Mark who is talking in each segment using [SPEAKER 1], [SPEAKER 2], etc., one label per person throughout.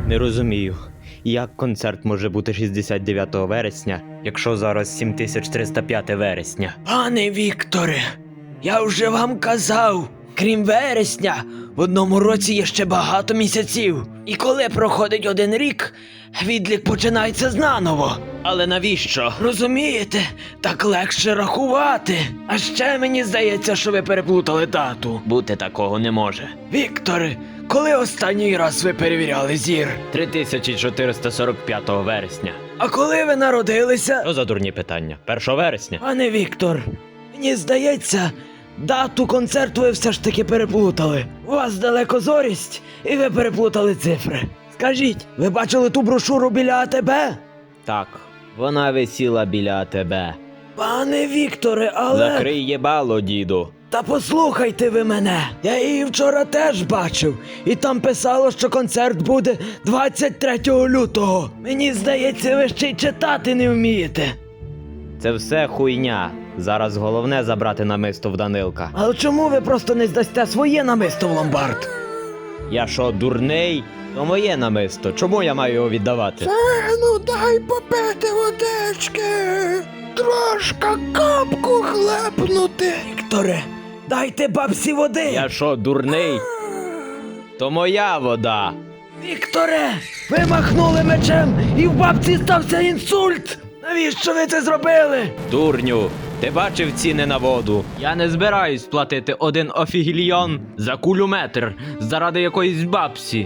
[SPEAKER 1] Не розумію, як концерт може бути 69 вересня, якщо зараз 7305 вересня.
[SPEAKER 2] Пане Вікторе, я вже вам казав, крім вересня, в одному році є ще багато місяців. І коли проходить один рік, відлік починається знаново. Але навіщо? Розумієте? Так легше рахувати. А ще мені здається, що ви переплутали дату.
[SPEAKER 1] Бути такого не може.
[SPEAKER 2] Вікторе, коли останній раз ви перевіряли зір?
[SPEAKER 1] 3445 вересня.
[SPEAKER 2] А коли ви народилися?
[SPEAKER 1] Що за дурні питання? 1 вересня?
[SPEAKER 2] Пане Віктор, мені здається, дату концерту ви все ж таки переплутали. У вас далекозорість, і ви переплутали цифри. Скажіть, ви бачили ту брошуру біля АТБ?
[SPEAKER 1] Так, вона висіла біля тебе.
[SPEAKER 2] Пане Вікторе, але...
[SPEAKER 1] Закрий єбало, діду.
[SPEAKER 2] Та послухайте ви мене. Я її вчора теж бачив. І там писало, що концерт буде 23 лютого. Мені здається, ви ще й читати не вмієте.
[SPEAKER 1] Це все хуйня. Зараз головне забрати намисто в Данилка.
[SPEAKER 2] Але чому ви просто не здасте своє намисто в ломбард?
[SPEAKER 1] Я що, дурний? То моє намисто. Чому я маю його віддавати?
[SPEAKER 2] Ну дай попити водички. Трошка капку хлепнути. Вікторе, дайте бабці води.
[SPEAKER 1] Я що, дурний? То моя вода.
[SPEAKER 2] Вікторе, ви махнули мечем і в бабці стався інсульт. Навіщо ви це зробили?
[SPEAKER 1] Дурню, ти бачив ціни на воду? Я не збираюсь платити 1 офігільйон за кулюметр заради якоїсь бабці.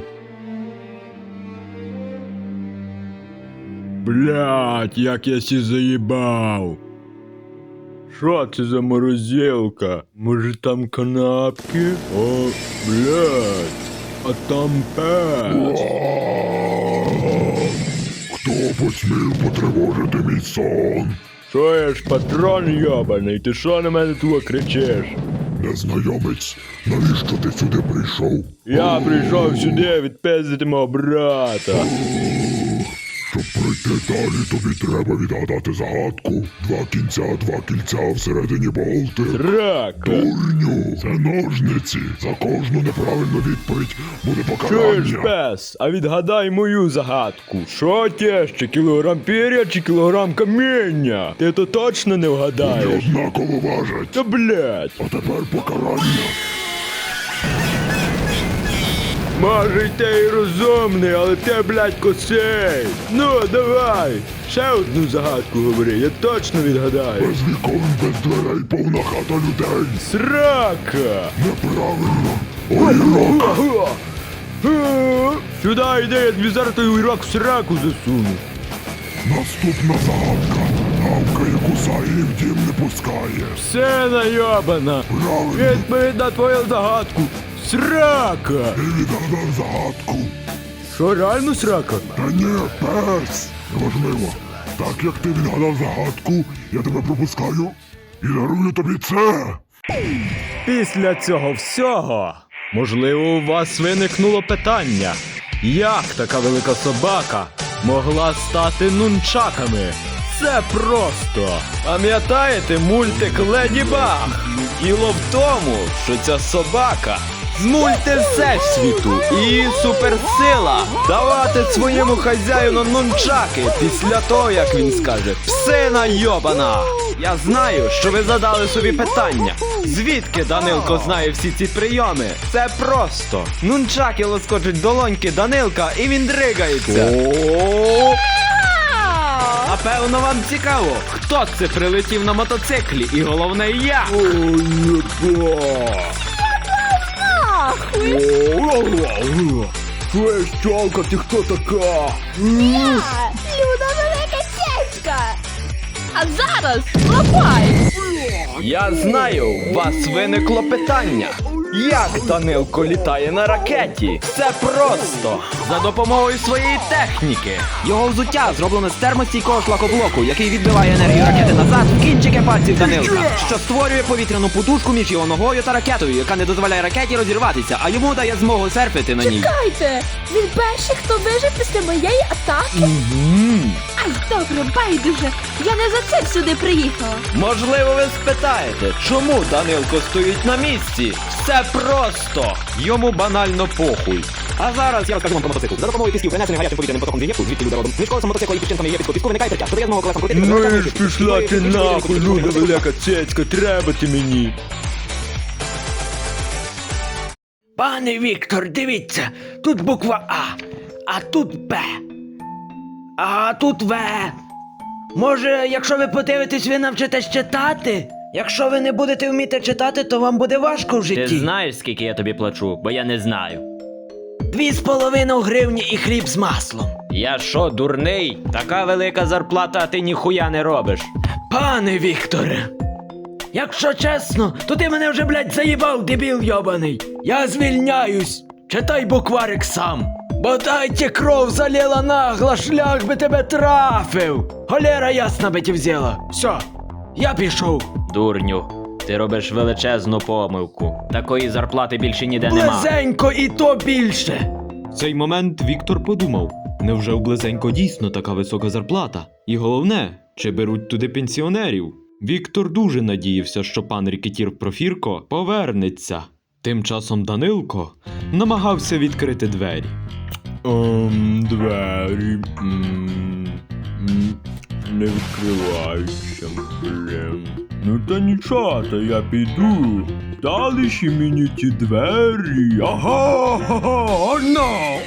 [SPEAKER 3] Блять, як я сі заїбав. Що це за морозилка? Може там канапки? О, блять, а там пес.
[SPEAKER 4] Хто посмів потривожити мій сон?
[SPEAKER 3] Що я ж патрон йобаний, ти що на мене тут кричиш?
[SPEAKER 4] Незнайомець, навіщо ти сюди прийшов?
[SPEAKER 3] Я прийшов сюди відпиздити мого брата.
[SPEAKER 4] Щоб пройти далі, тобі треба відгадати загадку. 2 кінця, 2 кільця, всередині болти.
[SPEAKER 3] Рака.
[SPEAKER 4] Дурню, це ножниці. За кожну неправильну відповідь буде
[SPEAKER 3] Чуєш,
[SPEAKER 4] покарання.
[SPEAKER 3] пес, а відгадай мою загадку. Що тяжче, кілограм пір'я чи кілограм каміння? Ти то точно не
[SPEAKER 4] Вони
[SPEAKER 3] вгадаєш.
[SPEAKER 4] однаково важать.
[SPEAKER 3] Та блять.
[SPEAKER 4] А тепер покарання.
[SPEAKER 3] Може й ти і розумний, але ти, блядь, косий. Ну, давай, ще одну загадку говори, я точно відгадаю.
[SPEAKER 4] Без вікон, без дверей, повна хата людей.
[SPEAKER 3] Срака!
[SPEAKER 4] Неправильно. Огірок.
[SPEAKER 3] Сюди йди, я тобі зараз той уйрок в сраку засуну.
[SPEAKER 4] Наступна загадка. Гавкає, кусає і в дім не пускає.
[SPEAKER 3] Все найобана.
[SPEAKER 4] Правильно.
[SPEAKER 3] Відповідь на твою загадку. Срака!
[SPEAKER 4] Ти відгадав загадку.
[SPEAKER 3] Що, реально срака?
[SPEAKER 4] Та ні, пес. Неважливо. Так як ти відгадав загадку, я тебе пропускаю і дарую тобі це.
[SPEAKER 3] Після цього всього, можливо, у вас виникнуло питання, як така велика собака могла стати нунчаками? Це просто. Пам'ятаєте мультик Леді Баг? Діло в тому, що ця собака з мультивсесвіту і її суперсила давати своєму хазяїну нунчаки після того, як він скаже «Псина йобана!». Я знаю, що ви задали собі питання. Звідки Данилко знає всі ці прийоми? Це просто. Нунчаки лоскочуть долоньки Данилка і він дригається. Напевно, вам цікаво, хто це прилетів на мотоциклі і головне як? Чуєш, тьолка, ти хто така?
[SPEAKER 5] Люда велика цецька! А зараз лапай!
[SPEAKER 1] Я знаю, у вас виникло питання. Як Данилко літає на ракеті? Все просто. За допомогою своєї техніки. Його взуття зроблено з термостійкого шлакоблоку, який відбиває енергію ракети назад в кінчики пальців Данилка, що створює повітряну подушку між його ногою та ракетою, яка не дозволяє ракеті розірватися, а йому дає змогу серфити на ній.
[SPEAKER 5] Чекайте! Він перший, хто вижив після моєї атаки? Ай, добре, байдуже! Я не за цим сюди приїхала!
[SPEAKER 1] Можливо, ви спитаєте, чому Данилко стоїть на місці? Все просто. Йому банально похуй. А зараз я розкажу вам про мотоцикл. За допомогою пісків, принесених гарячим повітряним потоком з Єгипту, звідки люди родом. Між колесом мотоцикла і піщинками єгипетського піску виникає тертя, що дає змогу колесам крутитися.
[SPEAKER 3] Ну і ж пішла ти нахуй, люда велика цецька, треба ти мені.
[SPEAKER 2] Пане Віктор, дивіться, тут буква А, а тут Б, а тут В. Може, якщо ви подивитесь, ви навчитесь читати? Якщо ви не будете вміти читати, то вам буде важко в
[SPEAKER 1] Ти
[SPEAKER 2] житті.
[SPEAKER 1] знаєш, скільки я тобі плачу, бо я не знаю.
[SPEAKER 2] 2,5 гривні і хліб з маслом.
[SPEAKER 1] Я що, дурний? Така велика зарплата, а ти ніхуя не робиш.
[SPEAKER 2] Пане Вікторе, якщо чесно, то ти мене вже, блядь, заїбав, дебіл йобаний. Я звільняюсь. Читай букварик сам. Бодайте кров залила нагла, шлях би тебе трафив. Холера ясна би ті взяла. Все, я пішов.
[SPEAKER 1] Дурню, ти робиш величезну помилку. Такої зарплати більше ніде нема.
[SPEAKER 2] Близенько і то більше.
[SPEAKER 3] В цей момент Віктор подумав, невже у Близенько дійсно така висока зарплата? І головне, чи беруть туди пенсіонерів? Віктор дуже надіявся, що пан рекетір Профірко повернеться. Тим часом Данилко намагався відкрити двері. Двері. Не відкриваються, блін. Ну та нічого, та я піду. Дали ще мені ті двері. Ага, на.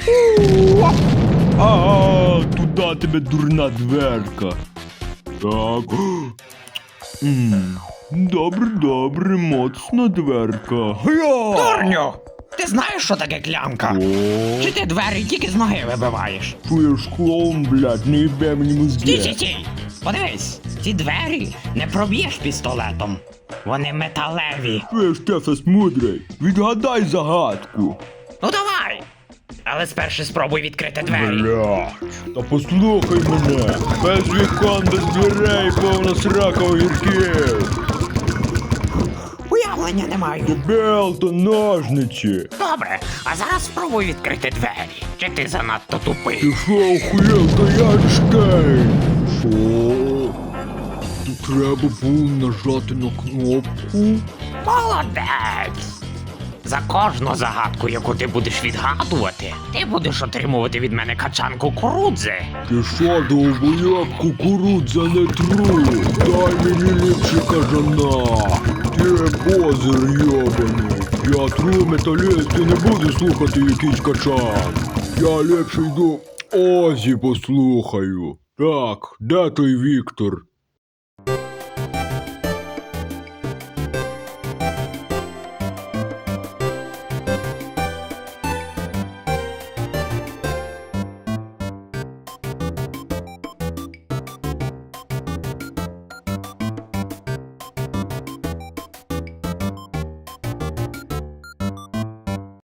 [SPEAKER 3] Ага, туди тебе дурна дверка. Так. Добре, добре, моцна дверка.
[SPEAKER 6] Дурню! Ти знаєш, що таке клямка?
[SPEAKER 3] О,
[SPEAKER 6] Чи ти двері тільки з ноги вибиваєш?
[SPEAKER 3] чуєш, клоун, блядь, не їбе мені мозги.
[SPEAKER 6] Стій! Подивись, ці двері не проб'єш пістолетом. Вони металеві.
[SPEAKER 3] Чуєш, Тефес мудрий, відгадай загадку.
[SPEAKER 6] Ну давай! Але спершу спробуй відкрити двері.
[SPEAKER 3] Блядь, та послухай мене. Без вікон, без дверей, повна срака огірків.
[SPEAKER 6] Уявлення не маю.
[SPEAKER 3] Дебел то ножниці.
[SPEAKER 6] Добре, а зараз спробуй відкрити двері. Чи ти занадто тупий?
[SPEAKER 3] Ти що, охуєл, то Янштейн? Що? Тут треба було нажати на кнопку.
[SPEAKER 6] Молодець! За кожну загадку, яку ти будеш відгадувати, ти будеш отримувати від мене качан кукурудзи.
[SPEAKER 3] Ти що, довбоєб, кукурудза не тру? Дай мені ліпше кажана. Ти позер йобаний. Я тру металіст і не буду слухати якийсь качан. Я ліпше йду Озі послухаю. Так, де той Віктор?